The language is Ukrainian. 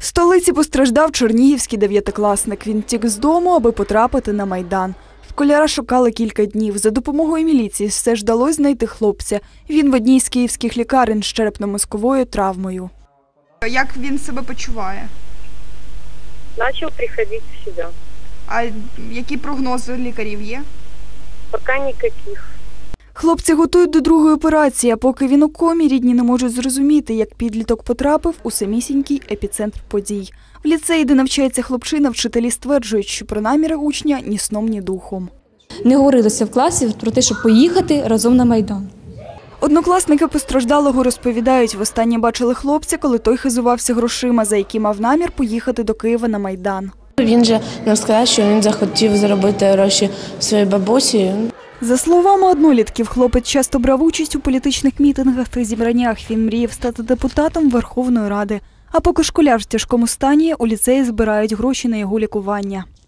столиці постраждав чернігівський дев'ятикласник. Він втік з дому, аби потрапити на Майдан. Школяра шукали кілька днів. За допомогою міліції все ж вдалося знайти хлопця. Він в одній з київських лікарень з черепно-мозковою травмою. Як він себе почуває? Начал приходить в себя. А які прогнози лікарів є? Пока никаких. Хлопця готують до другої операції, а поки він у комі, рідні не можуть зрозуміти, як підліток потрапив у самісінький епіцентр подій. В ліцеї, де навчається хлопчина, вчителі стверджують, що про наміри учня ні сном, ні духом. Не говорилося в класі про те, щоб поїхати разом на Майдан. Однокласники постраждалого розповідають, востаннє бачили хлопця, коли той хизувався грошима, за які мав намір поїхати до Києва на Майдан. Він же нам сказав, що він захотів заробити гроші своїй бабусі. За словами однолітків, хлопець часто брав участь у політичних мітингах та зібраннях. Він мріяв стати депутатом Верховної Ради. А поки школяр в тяжкому стані, у ліцеї збирають гроші на його лікування.